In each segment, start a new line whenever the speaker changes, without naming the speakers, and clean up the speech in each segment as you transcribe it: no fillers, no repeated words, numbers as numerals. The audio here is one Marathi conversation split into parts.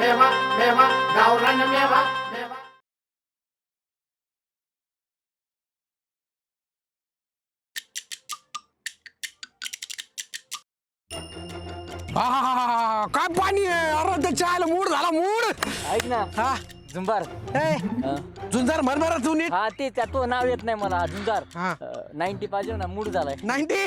मेवा मेवा गावरान मेवा मेवा.
काय पाणी आहे अरे त्याच्या आयला मूड झाला मूड.
ऐक ना
हा
झुंबार
झुंजार म्हणणार तू नीट.
हा ते तो नाव येत नाही मला झुंजार
हा.
90 पाहिजे ना मूड झालाय
90.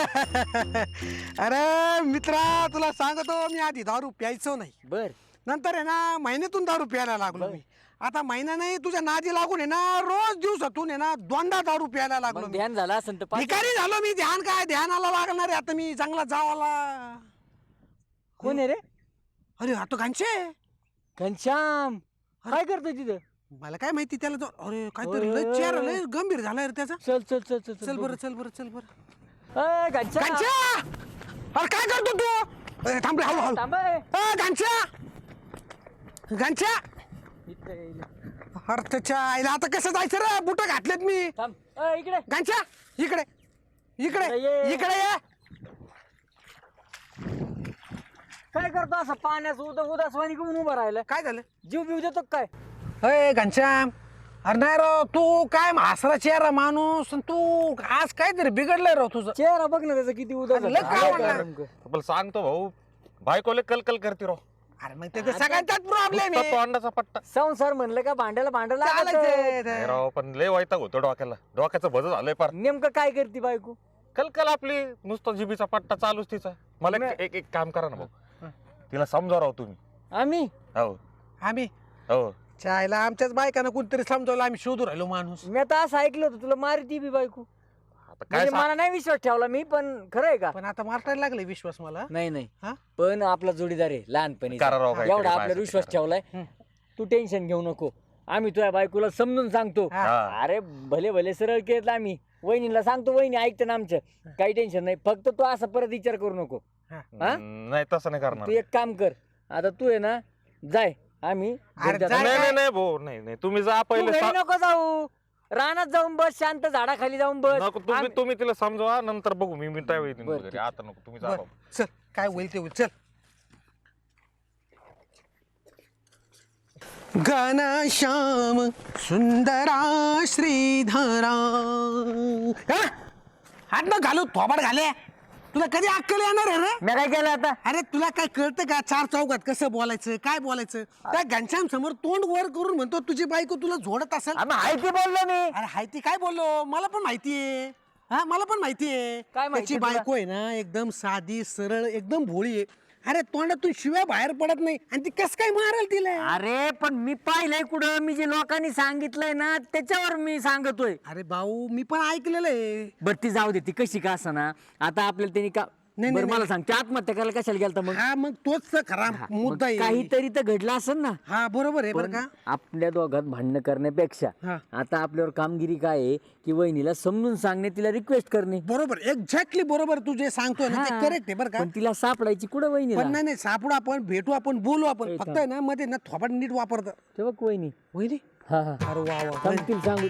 अरे मित्रा तुला सांगतो मी आधी दारू प्यायचो नाही.
बर
नंतर आहे ना महिन्यातून दारू प्यायला लागलो मी. आता महिना नाही तुझ्या नादी लागून आहे ना रोज दिवसातून आहे ना दोनदा दारू प्यायला लागलो
मग
मी.
ध्यान झाला असं तर
भिकारी झालो मी. ध्यान काय ध्यानाला लागणार आहे आता मी चांगला जावाला.
कोण आहे रे
अरे आता घांचे
घनश्याम काय करतो तिथं
मला काय माहिती त्याला अरे काहीतरी लय चेहरा लय गंभीर झालाय रे त्याचा.
चल चल चल चल
चल बरं चल बरं चल बरं.
घनश्याम
घांच्या अरे काय करतो तू. थांब रे हळू हळू.
थांब ए.
घांच्या घांच्या
इथं ये.
अरे त्याच्या आईला आता कसं जायचं रे. बुट घातलेत मी.
थांब इकडे
घांच्या इकडे इकडे
ये.
इकडे ये.
काय करतो असं पाण्याचं उदासवाणी घेऊन उभं राहिलं
काय झालं.
जीव बिव देतो का काय
अय घनश्याम अरे नाही राव तू काय म्हासरा चेहरा माणूस आणि तू आज काहीतरी बिघडलंय राव तुझं.
चेहरा बघ ना त्याचा किती उदास
अरे लय
झाला.
काय
काय
म्हणणार?
नेमकं?
पण सांगतो भाऊ बायकोले कलकल करते राव.
अरे मग त्याचा सगळ्यांचाच प्रॉब्लेम
नुसता तो
आहे.
अंडाचा पट्टा
संसार म्हणलं का भांड्याला भांडं लागतं.
नाही
चालायचं.
राव पण लय वैताग होतो डोक्याला. डोक्याचं भज झालंय पार.
नेमकं काय करते बायको
कलकल आपली नुसता जिबीचा पट्टा चालूच तिचा. मला एक एक काम करा ना भाऊ. तिला समजा राव तुम्ही.
आम्ही
हो
आम्ही
हो
चायला आमच्याच बायकांना कोणतरी समजावलं आम्ही शोधू राहिलो माणूस.
मी आता असं ऐकलं होतं तुला मारती बी बायको.
आता काय
म्हणजे मला नाही विश्वास ठेवला मी पण खरं आहे का
पण आता मारतायला लागले विश्वास मला.
नाही नाही
हा?
पण आपला जोडीदार आहे लहानपणी
करा राव काहीतरी
एवढा आपल्याला
माझ्यासाठी
विश्वास
करा.
ठेवलाय तू टेन्शन घेऊ नको. आम्ही तुझ्या बायकोला समजून सांगतो.
हा.
अरे भले भले सरळ केलं आम्ही वहिनीला सांगतो वहिनी ऐकतं ना आमचं काही टेन्शन नाही. फक्त तू असं परत विचार करू नको. हा?
नाही तसं नाही करणार.
तू एक काम कर आता तू आहे ना जाय आम्ही
अरे
घरी जातो.
जाय.
नाही नाही नाही भाऊ नाही नाही तुम्ही जा
तू
पहिले.
घरी नको जाऊ रानात जाऊन बस शांत झाडाखाली जाऊन बस.
नको तुम्ही तुम्ही तिला समजवा नंतर बघू मी त्यावेळी येईन
बरं,
घरी. आता नको तुम्ही जा
बर
भाऊ.
चल काय होईल ते होईल चल. घनश्याम सुंदरा श्रीधरा हात न घालू थोबाड घाले. तुला कधी अक्कल येणार आहे रे.
मी काय केलं आता
अरे तुला काय कळतं का चार चौकात कसं बोलायचं काय बोलायचं. त्या घनश्याम समोर तोंड वर करून म्हणतो तुझी बायको तुला झोडत असेल.
आम्ही माहिती बोललो मी.
अरे हायती काय बोललो मला पण माहितीये. हा मला पण माहितीये.
काय माहिती
त्याची
तुला?
बायको आहे ना एकदम साधी सरळ एकदम भोळी आहे. अरे तोंडातून शिव्या बाहेर पडत नाही आणि ती कस काय मारेल तिला.
अरे पण मी पाहिलंय कुठं मी जे लोकांनी सांगितलंय ना त्याच्यावर मी सांगतोय.
अरे भाऊ मी पण ऐकलेलं आहे.
बर ती जाऊ दे ती कशी का ना आता आपल्याला त्यांनी का
नाही,
बरं
नाही,
मला सांग ते आत्महत्या करायला कशाला गेलता मग
हा मग तोच तर खरा
मग
मुद्दा आहे.
काहीतरी तर घडलं असेल ना.
हा बरोबर आहे बरं
पण
का.
आपल्या दोघात भांडणं करण्यापेक्षा
हा.
आता आपल्यावर कामगिरी काय आहे की वहिनीला समजून सांगणे तिला रिक्वेस्ट करणे.
बरोबर एक्झॅक्टली बरोबर तू जे सांगतोय ना ते
हा.
करेक्ट आहे बरं का.
पण तिला सापडायची कुठं वहिनीला
पण नाही सापडू आपण भेटू आपण बोलू आपण
ए,
फक्त
थांब.
आहे ना मध्ये ना थोपाड नीट वापरतं.
तेव्हा वहिनी
वहिनी
हा हा
अरे वा वा
सांगतील सांगू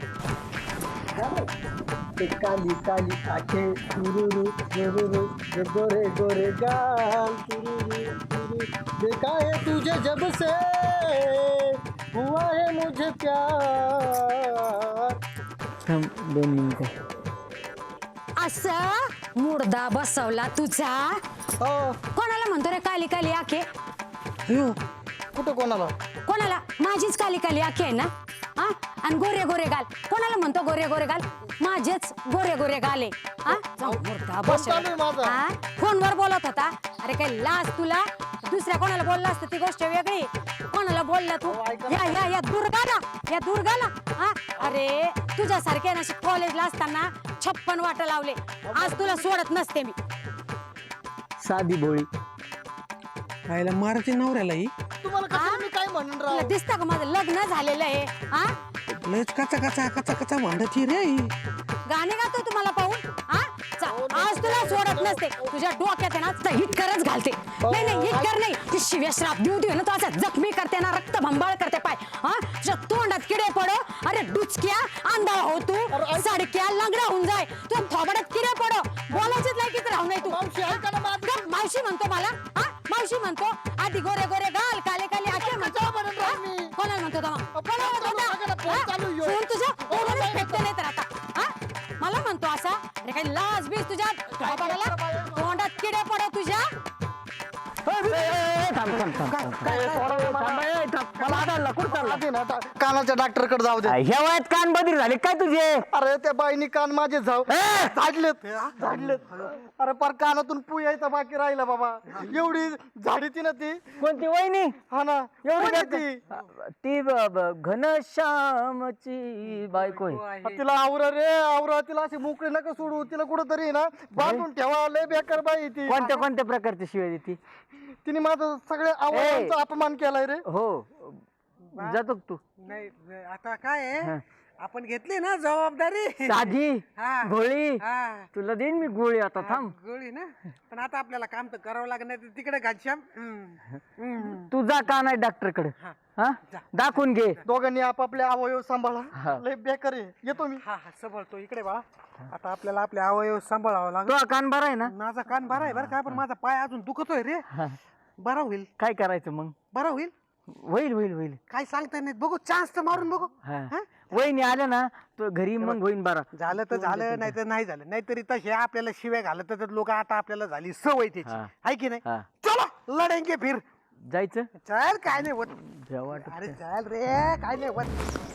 ते काली काली आखे तुरुरु तुरुरु ते गोरे गोरे गाल तुरुरु तुरुरु देखा है तुझे जब से हुआ है मुझे प्यार. थांब 2 मिनिटं.
असं मुर्दा बसवला तुझा. कोणाला म्हणतो रे काली काली आखे.
कुठं कोणाला.
कोणाला माझीच काली काली आखे आहे ना. हा आणि गोरे गोरे गाल कोणाला म्हणतो गोरे गोरे गाल माझेच गोरे गोरे गाल आहे. हा जाऊ मुर्दा बसवला. हा फोनवर बोलत होता. अरे काय लाज तुला. दुसऱ्या कोणाला बोलला असतं ती गोष्ट वेगळी. कोणाला बोलला तू या दुर्गाला हा. अरे तुझ्यासारखे ना कॉलेजला असताना 56 वाटा लावले. आज तुला सोडत नसते मी.
साधी भोळी
खायला मारायची नवऱ्याला ही
तुला दिसतं का माझं लग्न झालेलं आहे. हा
लयच कचा कचा कचा कचा भांडती रे ही.
गाणे गातो तुम्हाला पाहून. हा आज तुला सोडत नसते. तुझ्या डोक्यात आहे ना हिट करच घालते. नाही हिट कर नाही ती शिव्या श्राप देऊ देऊ ना तू असं जखमी करते ना रक्त भंबाळ करते पाय. हा तुझ्या तोंडात किडे पडो. अरे डुचक्या आंधळा हो तू साडक्या लंगडा होऊन जाय. तुझ्या थोबाडात किडे पडो. बोलायचीच लायकीच राहू नाही तू. मावशी म्हणतो मला. हा मावशी म्हणतो आधी गोरे गोरे गाल काले काले आखे कोणाला म्हणतो होता मग? कोणाला म्हणतो होता? हा? फोन तुझ्या फोनवरच फेकते नाही तर आता हा? मला म्हणतो असा अरे काही लाज बीज तुझ्या थोबाडाला तोंडात किडे पडो तुझ्या
कानाच्या डॉक्टर कडे जाऊ दे.
ह्या वयात कान बधीर झाले काय तुझे?
अरे त्या बाईनी कान माझे झाडलेत. अरे पर कानातून पू यायचा बाकी राहिला बाबा. एवढी झाडी ती ना ती.
कोणती वहिनी?
हा ना
एवढी
एवढी
ती घनश्यामची बायको आहे.
तिला आवरा रे आवरा. तिला अशी मोकळी नका सोडू. तिला कुठंतरी ना बांधून ठेवा. लय बेकार बाई ती.
कोणत्या कोणत्या प्रकारची शिवाय देती?
तिने माझं सगळ्या आवडीचा अपमान केलाय रे.
हो जातो का तू?
नाही आता काय आहे आपण घेतली ना जबाबदारी
साधी
हा.
गोळी
हा
तुला देईन मी गोळी आता थांब.
गोळी ना पण आता आपल्याला काम तर करावं लागणार तिकडे घनश्याम
तू जा का नाही डॉक्टर कडे हा दाखवून घे.
दोघांनी आपापले अवयव सांभाळा.
हा.
लय बेकार आहे. येतो मी.
हा हा सांभाळतो इकडे बाळा. आता आपल्याला आपले अवयव सांभाळावं लागेल.
तो कान बरा आहे ना?
माझा कान बरा आहे बरं का पण माझा पाय अजून दुखतोय रे. बरा होईल
काय करायचं मग?
बरा होईल
होईल होईल होईल.
काय सांगता नाही बघू चान्स तर मारून बघू
हा.
हा?
वहिनी आल्या ना तो घरी मग होईन बरा.
झालं तर झालं नाही तर नाही झालं नाहीतरी तसे आपल्याला शिव्या घालत लोक आता आपल्याला झाली सवय त्याची
हा.
आहे की नाही
हा.
चला लढेंगे फिर
जायचं
चल काय नाही होत
जेव्हा वाटत
अरे चल रे काय नाही होत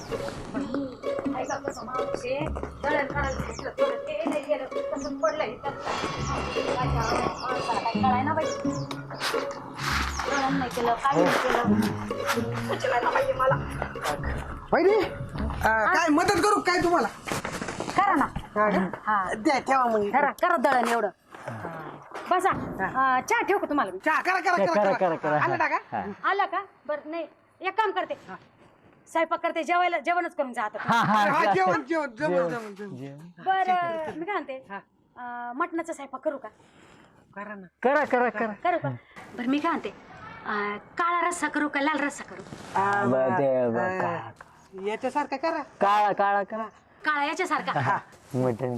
पहिले काय मदत करू काय तुम्हाला
करा ना हा
द्या ठेवा मग
करा करा दळण एवढं बसा चहा ठेवू का तुम्हाला मी?
चहा करा करा
करा,
करा
करा, करा.
आलं टाका
हा.
आलं का बरं नाही एक काम करते स्वयंपाक करते जेवायला जेवणच करून जात
हा
हा
हा
जेवण जेवण जमल जमल जमल.
बरं मी काय म्हणते मटणाचा स्वयंपाक करू का
करा ना
करा करा करा.
करू का बरं मी काय म्हणते काळा रस्सा करू का लाल रस्सा करू
याच्यासारखं करा
काळा काळा करा.
काळा याच्यासारखा
मटन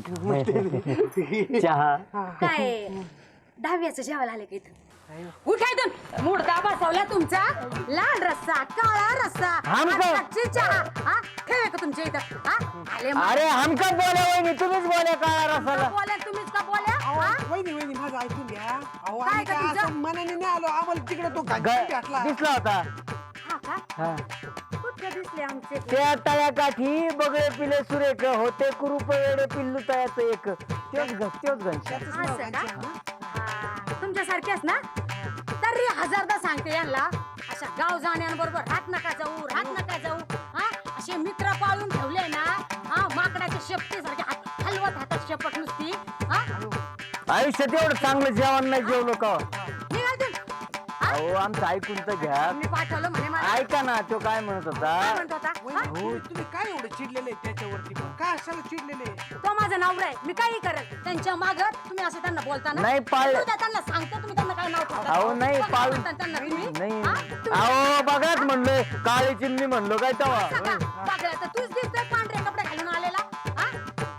चहा
काय 10व्याचं जेवायला आले का इथं उठायतून मुडदा बसवला तुमचा लाल रस्सा काळा रस्सा
आमचं.
आजची चहा हा ठेवे का तुमच्या इथं हा आले मग.
अरे हमका बोला वहिनी तुम्हीच बोला काळा
का
रसाला.
बोला तुम्हीच का बोला हा?
वहिनी वहिनी माझं ऐकून घ्या अहो
काय
आम्ही
का
काय
तुझं?
असं मनाने नाही आलो आम्हाला तिकडे तो घातला
दिसला होता.
हा का
हा.
कुठे दिसले आमचे
त्या तळ्याकाठी बगळे पिले सुरेख होते कुरूप वेडे पिल्लू तयाचं एक त्योच घनश्याम.
असं का तुमच्यासारखेच ना तरी हजारदा सांगते यांना अशा गाव जाण्यांबरोबर रात नका जाऊ हा असे मित्र पाळून ठेवले ना हा माकडाच्या शेपटीसारखे हलवत हातात शेपट नुसती हा
आयुष्यात एवढं चांगलं जेवण नाही जेवलो का?
निघाल तुम्ही. हा?
अहो आमचं ऐकून तर घ्या.
मी पाठवलं म्हणे मला
ऐका ना तो काय म्हणत
काय
होता.
म्हणतो होता हा?
तुम्ही काय एवढे चिडलेले त्याच्यावरती पण काय असायला चिडलेले
तो माझा नवरा आहे मी काही करेल त्यांच्या माग तुम्ही असं त्यांना बोलता ना
नाही पाळलं.
उद्या त्यांना सांगतो तुम्ही त्यांना काय नाव ठेवता.
अहो नाही
बघा
पाळून
म्हणता त्यांना तुम्ही.
नाही
हा? तुम्ही
अहो बघाच म्हणलोय काळी चिमणी म्हणलो काय तेव्हा.
असं का? बघा, तर तूच दिसतोय पांढरे कपडे घालून आलेला हा?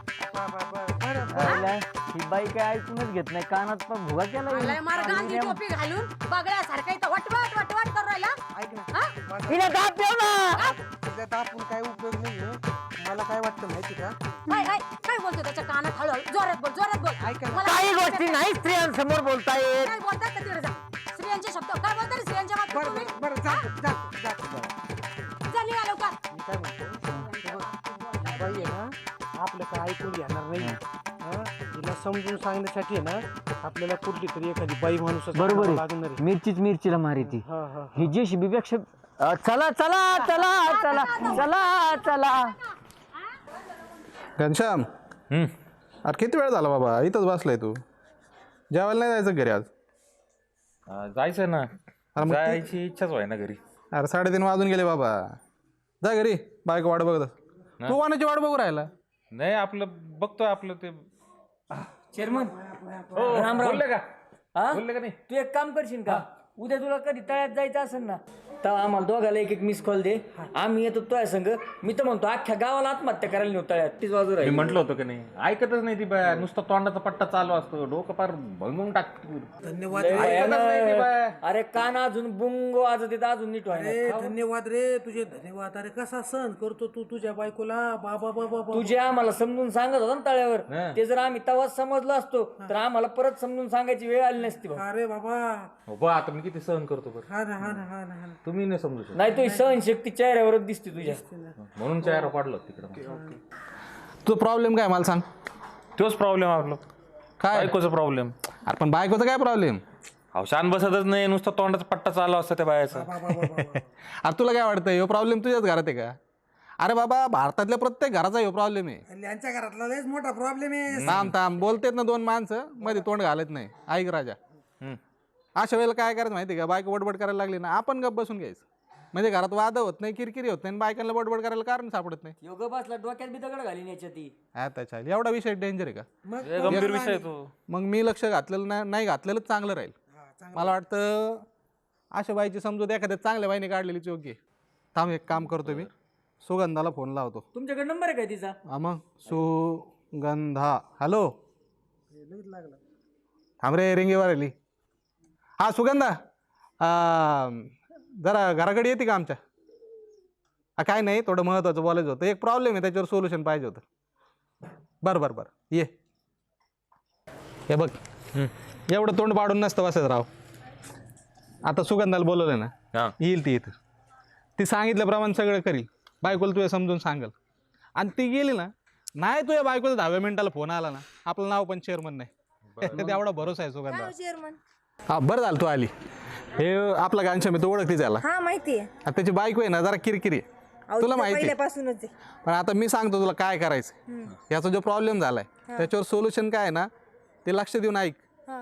पाहिलं? ही बाई काय ऐकूनच घेत नाही कानात पण भुगा
आलाय
केला.
मार गांधी टोपी घालून बगड्यासारखा इथं वटवट वटवट करू राहिला
ऐक ना
हा?
हिने दाब ठेव ना.
त्याच्यात आपण काय उपयोग नाहीये मला काय वाटतं माहिती का
काय काय काय बोलतो त्याच्या कानात हळूहळू जोरात बोल
ऐका ना.
मला
काही
ऐकायचं
गोष्टी
काय?
नाही स्त्रियांसमोर बोलता येत.
काय बोलतात का तिकडे जा स्त्रियांचे शब्द काय बोलतात रे स्त्रियांच्या बाबतीत
बरं
तुम्ही?
बरं बरं जातो
जा निघा लवकर
मी काय म्हणतो बाई आहे ना आपलं काय ऐकून घेणार नाही हा? तिला समजून सांगण्यासाठी आहे ना आपल्याला कुठली तरी एखादी बाई माणूस
बरोबर
लागणार
आहे. मिरचीच मिरचीला मारिती.
हा हा
ही जी शिबीपेक्षा चला चला चला चला चला चला.
घनश्याम अरे किती वेळ झाला बाबा इथंच बसलाय तू जेवायला नाही जायचं घरी आज
जायचं ना
अरे मग ते-
जायची इच्छाच व्हाय ना घरी.
अरे 3:30 वाजून गेले बाबा जा घरी बायको वाट बघत तू कोणाची वाट बघू राहिला
नाही आपलं बघतोय आपलं ते
चेअरमन
बोलले का
हा?
बोलले का नाही?
तू एक काम करशील का उद्या तुला कधी तळ्यात जायचं असेल ना तेव्हा आम्हाला दोघाला एक मिस कॉल दे, आम्ही येतो तुझ्या संग. मी तर म्हणतो अख्ख्या गावाला आत्महत्या करायला नेऊ तळ्यात, तीच बाजू
मी
राहील.
म्हटलं होतं की नाही, ऐकतच नाही ती बाया. नुसता तोंडाचा पट्टा चालू असतो, डोकं पार भंगून टाकते.
धन्यवाद
लय
रे.
भयानक.
नाही ती बाया.
अरे कान अजून बुंगो वाजत येत, अजून नीट
अरे
व्हायला.
धन्यवाद रे, तुझे धन्यवाद. अरे कसा सहन करतो तू तुझ्या बायकोला. बाबा बाबा बाबा.
तुझे आम्हाला समजून सांगत होता ना तळ्यावर,
हा.
ते जर आम्ही तेव्हाच समजलो असतो तर आम्हाला परत समजून सांगायची वेळ आली नसती भाऊ.
अरे बाबा.
हो बा, आता मी किती सहन करतो बरं.
हा ना हा ना हा ना हा ना.
तुम्ही नाही समजू शकत,
नाही तुझी सहनशक्ती चेहऱ्यावरच दिसते तुझ्या.
म्हणून चेहरा पाडलं तिकडं.
तुझा प्रॉब्लेम काय मला सांग.
तोच प्रॉब्लेम आपला,
काय
बायकोचा प्रॉब्लेम.
अरे पण बायकोचा काय प्रॉब्लेम.
अहो शान बसतच नाही, नुसता तोंडाचा पट्टा चालू असतं त्या बायाचा.
अरे तुला काय वाटतं ह्यो प्रॉब्लेम तुझ्याच घरात आहे का. अरे बाबा भारतातल्या प्रत्येक घराचा ह्यो प्रॉब्लेम आहे.
यांच्या घरातला लयच मोठा प्रॉब्लेम आहे.
थांब थांब बोलतेत ना दोन माणसं, मध्ये तोंड घालत नाही. ऐक राजा, अशा वेळेला काय करायचं माहिती आहे का, बायको बडबड करायला लागली ना, आपण गप बसून घ्यायचं. म्हणजे घरात वाद होत नाही, किरकिरी होत नाही, आणि बायकांना बडबड करायला कारण सापडत नाही.
योग बसला डोक्यात बी दगड घालीन याच्या ती.
आता चालेल, एवढा विषय डेंजर आहे का.
मग
गंभीर विषय आहे तो.
मग मी लक्ष घातलेलं नाही घातलेलंच चांगलं राहील. मला वाटतं अशा बाईची समजूत एखाद्या चांगल्या बाईने काढलेलीच योग्य आहे. थांब एक काम करतो मी, सुगंधाला फोन लावतो.
तुमच्याकडे नंबर आहे काय तिचा?
हा मग सुगंधा. हॅलो थांब रे, रिंगेवर आली. हा सुगंधा, जरा घराकडे येते का आमच्या. काय नाही, थोडं महत्त्वाचं बोलायचं होतं. एक प्रॉब्लेम आहे, त्याच्यावर सोल्युशन पाहिजे होतं. बरं बरं बरं ये. हे बघ, एवढं तोंड पाडून नसतं बसत राव. आता सुगंधाला बोलवलं ना,
हा.
येईल ती इथं. ती सांगितल्याप्रमाणे सगळं करील. बायकोला तुझ्या समजून सांगल. आणि ती गेली ना, नाही तुझ्या बायकोला 10व्या मिनिटाला फोन आला ना, आपलं नाव पण चेअरमन नाही. एवढा भरोसा आहे सुगंधा. हा बरं झालं तू आली. हे आपला गांच्या मी तो ओळखते त्याला.
हा माहिती आहे.
आता त्याची बायको आहे ना जरा किरकिरी आहे. तुला माहिती आहे.
पहिल्यापासूनच आहे.
पण आता मी सांगतो तुला काय करायचं. याचा जो प्रॉब्लेम झालाय त्याच्यावर सोल्युशन काय आहे ना, ते लक्ष देऊन ऐक.
हा.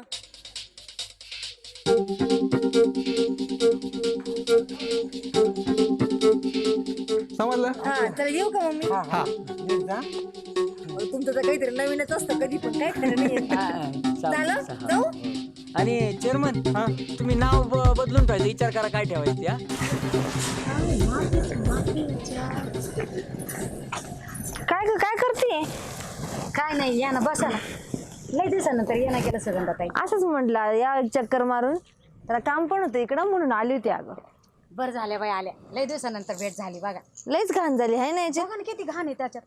समजलं.
हा चला येऊ का मम्मी.
हा
तुमचं तर काहीतरी नवीनच असतं कधी पण, काय खरं नाही. झालं जाऊ.
आणि चेअरमन, तुम्ही नाव बदलून ठेवायचं, विचार करा काय ठेवायचं या.
काय करते.
काय नाही, या ना बसा ना. लय दिवसानंतर ये ना केलं सगळं ताई.
असंच म्हटलं या चक्कर मारून, त्याला काम पण होतं इकडं म्हणून आली होती. अगं
बरं झाल्या बाई आल्या, लय दिवसानंतर भेट झाली बघा.
लईच घाण झाली आहे ना याच्यात.
बघा ना किती घाण आहे त्याच्यात.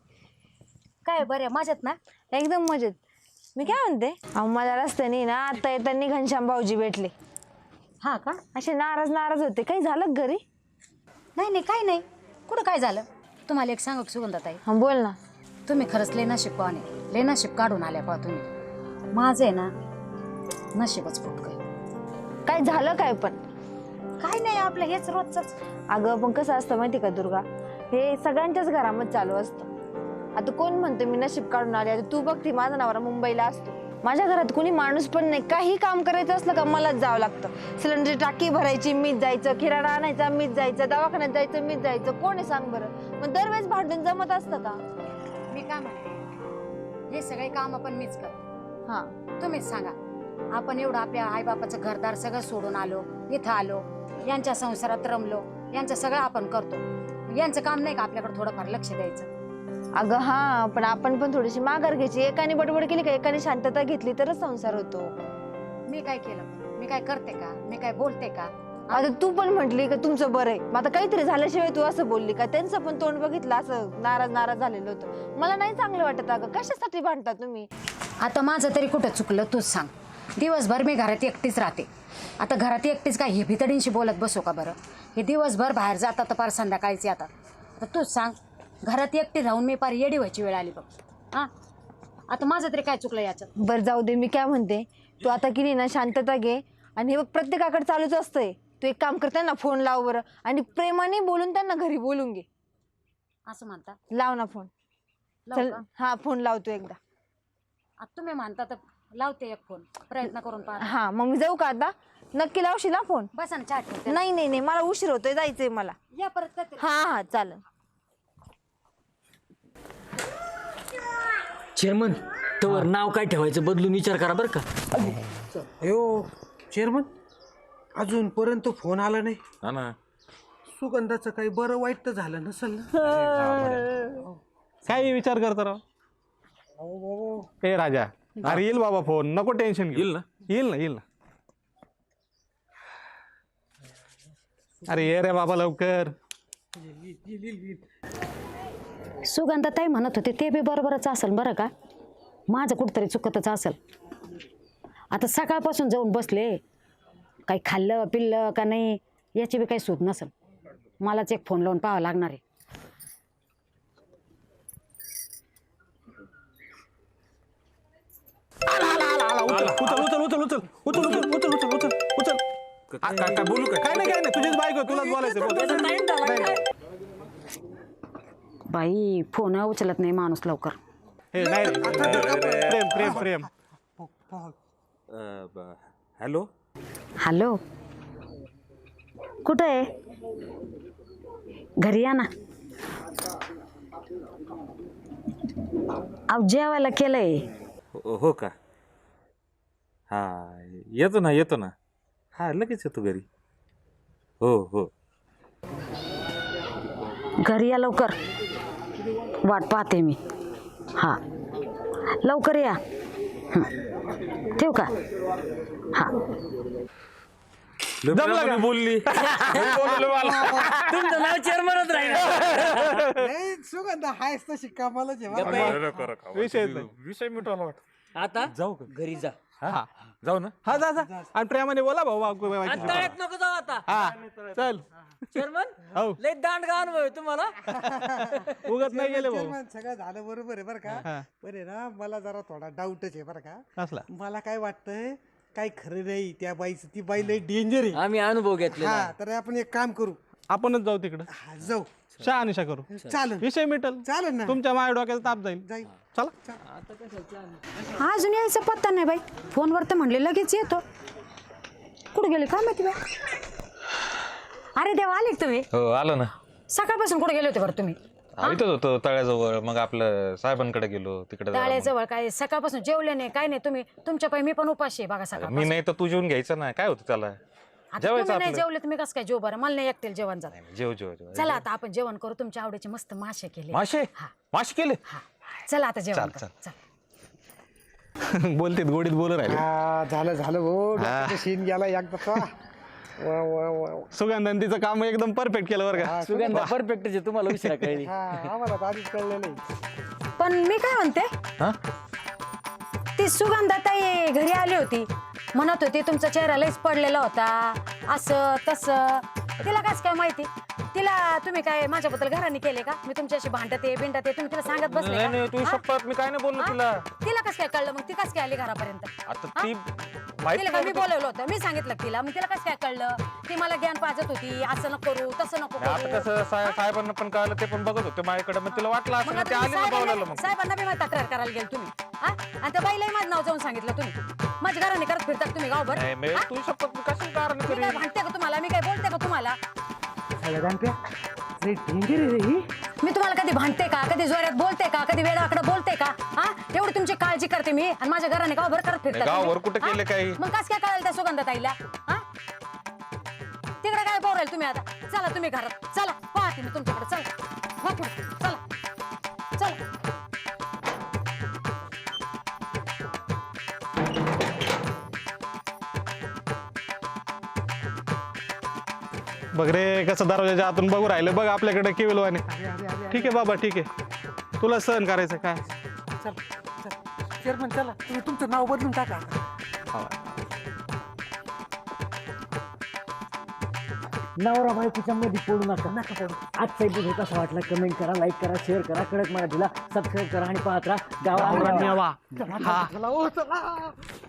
काय बरं मजेत ना.
एकदम मजेत. मी काय म्हणते, अहो मला रस्त्याने ना आता येताना घनश्याम भाऊजी भेटले.
हा का.
असे नाराज होते. काही झालं का घरी.
नाही नाही काही नाही. कुठं काय झालं. तुम्हाला एक सांगू सुगंधाताई,
हा बोल ना.
तुम्ही खरंच लय नशीब पाहणे, लय नशीब काढून आल्या पहा तुम्ही. माझं आहे ना नशीबच फुटकं.
काय झालं काय पण.
काय नाही, आपलं हेच रोजच.
अगं पण कसं असतं माहिती का दुर्गा, हे सगळ्यांच्याच घरामध्ये चालू असतं. आता कोण म्हणतो मी नशीब काढून आले. आता तू बघती माझा नवरा मुंबईला असतो, माझ्या घरात कोणी माणूस पण नाही. काही काम करायचं असलं का मलाच जावं लागतं. सिलेंडरची टाकी भरायची मीच जायचं, किराणा आणायचा मीच जायचं, दवाखान्यात जायचं मीच जायचं. कोण आहे सांग बरं. मग दरवेळेस भांडून जमत असतं का.
मी काय म्हणते, हे सगळे काम आपण मीच करतो.
हा
तुम्हीच सांगा, आपण एवढं आपल्या आईबापाचं घरदार सगळं सोडून आलो, इथं आलो, यांच्या संसारात रमलो, यांचं सगळं आपण करतो. यांचं काम नाही का आपल्याकडे थोडंफार लक्ष द्यायचं.
अगं हा, पण आपण पण थोडीशी माघार घ्यायची. एकाने बडबड केली का, एकाने शांतता घेतली तरच संसार होतो.
मी काय केलं, मी काय करते का, मी काय बोलते का.
आता तू पण म्हटली का तुमचं बरं आहे, मग आता काहीतरी झाल्याशिवाय तू असं बोलली का. त्यांचं पण तोंड बघितलं असं नाराज झालेलं होतं. मला नाही चांगलं वाटत. अगं कशासाठी भांडता तुम्ही.
आता माझं तरी कुठं चुकलं तूच सांग. दिवसभर मी घरात एकटीच राहते. आता घरात एकटीच काय हे भितडींशी बोलत बसू का बरं. हे दिवसभर बाहेर जातात तर पार संध्याकाळीच येतात. आता तूच सांग, घरात एकटी राहून मी पार येडी व्हायची वेळ आली बघ. हां आता माझं तरी काय चुकलं याच्यात.
बरं जाऊ दे. मी काय म्हणते, तू आता की नाही ना शांतता घे. आणि हे बघ प्रत्येकाकडे चालूच असतंय. तू एक काम कर, त्यांना फोन लाव बरं, आणि प्रेमाने बोलून त्यांना घरी बोलून घे.
असं म्हणता.
लाव ना फोन.
लावू
चल
का?
हा फोन लावतो एकदा.
आता तुम्ही म्हणता तर लावते एक फोन, प्रयत्न करून पाहा.
हा मग मी जाऊ का आता. नक्की लावशील ना फोन.
बसा ना चहा ठेवते.
नाही मला उशीर होतोय, जायचंय मला.
या परत करते.
हा चालेल.
चेअरमन, तवर नाव काय ठेवायचं बदलून विचार करा बरं का.
अयो चेअरमन, अजूनपर्यंत फोन आला नाही.
हा ना,
सुगंधाचं काही बरं वाईट तर झालं नसेल ना?
काय विचार करतो राव? ए राजा, अरे येईल बाबा फोन, नको टेन्शन घेऊ. येईल ना. अरे ये रे बाबा लवकर.
सुगंधाताई म्हणत होते ते बी बरोबरच असेल बरं का. माझं कुठंतरी चुकतच असेल. आता सकाळपासून जाऊन बसले, काही खाल्लं पिल्लं का नाही याची बी काही सूट नसेल. मलाच एक फोन लावून पाहावं लागणार आहे.
उचल.
काय बोलू
काय नाही तुझीच बायको, तुलाच बोलायचं.
बाई फोन उचलत नाही माणूस लवकर.
हे नाही रे. प्रेम.
हॅलो.
हॅलो, कुठं आहे? घरी या ना. अहो जेवायला केलंय.
हो का? हा येतो ना. हा लगेच येतो घरी. हो.
घरी या लवकर, वाट पाहते मी. हा लवकर या. ठेवू का? हा
जमलं का?
बोलली
तुमचं नाव चेअरमनच राहील.
नाही सुगंधा हायस तशी कामालाच आहे बरं का?
विषय मिटवला वाटत.
आता
जाऊ का?
घरी जा.
हा
जाऊ ना.
हा जा. आणि प्रेमाने बोला भाऊ.
आणि तळ्यात नको जाऊ आता.
हा चल.
चेअरमन
हो
लय दांडगा अनुभव आहे तुम्हाला.
उगत नाही गेले भाऊ.
चेअरमन, सगळं झालं बरोबर आहे बरं का. बरे ना, मला जरा थोडा डाऊटच आहे बरं का.
असला
मला काय वाटतंय, काही खरं नाही त्या बाईचं. ती बाई लय डेंजर आहे.
आम्ही अनुभव घेतलेला
हा, तर आपण एक काम करू.
आपणच जाऊ तिकडं,
हा, जाऊ.
शहानिशा करू.
चालेल
विषय मिटल.
चालेल ना.
तुमच्या माया डोक्याचा ताप जाईल. चला.
अजून यायचा पत्ता नाही बाई. फोनवर तर म्हणले लगेच येतो. कुठे गेले काय माहिती बाई. अरे देवा, आले का तुम्ही?
हो आलो ना.
सकाळपासून कुठे गेले होते बरं तुम्ही?
इथंच होतो तळ्याजवळ. मग आपलं साहेबांकडे गेलो तिकडे.
तळ्याजवळ काय सकाळपासून जेवले नाही काय नाही तुम्ही? तुमच्या पायी मी पण उपाशी आहे बघा सकाळ.
मी नाही तर तू जेवून घ्यायचं ना. काय होतं त्याला?
तुम्ही नाही जेवले तुम्ही कसं काय जेव बरं? मला नाही एकटेल जेवण जात.
जेव.
चला आता आपण जेवण करू. तुमच्या आवडीचे मस्त मासे केले.
मासे केले.
चला आता जेवण करू. चल.
बोलतेत गोडीत बोलू राहिले.
हा, झालं भाऊ. सीन गेला एकदा. वा.
सुगंधन तिचं काम एकदम परफेक्ट केलं बरं का.
सुगंधा परफेक्ट आहे. तुम्हाला उशिरा कळली.
आम्हाला तर आधीच कळलं नाही.
पण मी काय म्हणते, ती सुगंधाताई घरी आली होती, म्हणत होती तुमचा चेहरा लयच पडलेला होता, असं तसं. तिला कसं काय माहिती? तिला तुम्ही काय माझ्याबद्दल घराने केले का? मी तुमच्याशी भांडते तुम्ही तिला सांगत बसले का?
नाही तू शपथ मी काय नाही बोललो तिला.
तिला कसं काय कळलं मग? ती कसं काय आली घरापर्यंत?
आता ती
तिला का मी बोलवलं होतं? मी सांगितलं तिला. मग तिला कसं काय कळलं? ती मला ज्ञान पाजत होती, असं नको करू तसं नको
आता
करू.
कसं साहेबांना पण कळलं, ते पण बघत होते माझ्याकडे. मग तिला वाटलं
मग
असं
आता
ते आले ना
तुम्ही
बोलायला. मग
साहेबांना बी मला तक्रार करायला गेल तुम्ही. आणि त्या बाईलाही माझं नाव जाऊन सांगितलं तुम्ही. माझ्या घराने करत फिरतात तुम्ही गावभर.
नाही मी तू शपथ मी कशाला कारण
मी
करी.
काय भांडते का तुम्हाला? मी काय बोलते का तुम्हाला? मी तुम्हाला कधी भांडते का? कधी जोरात बोलते का? कधी वेळाकडे बोलते का? एवढी तुमची काळजी करते मी, आणि माझ्या घराने गावभर करत फिरतात
गावभर
तुम्ही.
कुठे केले काही?
मग कसं काय कळालं त्या सुगंधाताईला? तिकडे काय बोलाल तुम्ही आता? चला तुम्ही घरात चला, पाहते मी तुमच्याकडे. चला वा पुढे. चला.
बघ रे कसं दरवाजाच्या आतून बघू राहिलं. बघ आपल्याकडे केवलवाने. ठीक आहे बाबा, ठीक आहे. तुला सहन करायचं काय?
चेअरमन चला, तुम्ही तुमचं नाव बदलून टाका.
नवरा बायकोच्या मध्ये पडू नका. आजचा व्हिडिओ कसा वाटला कमेंट करा, लाईक करा, शेअर करा, कडक मराठीला सबस्क्राईब करा आणि पाहत राहा गावाला.
वा.
चला.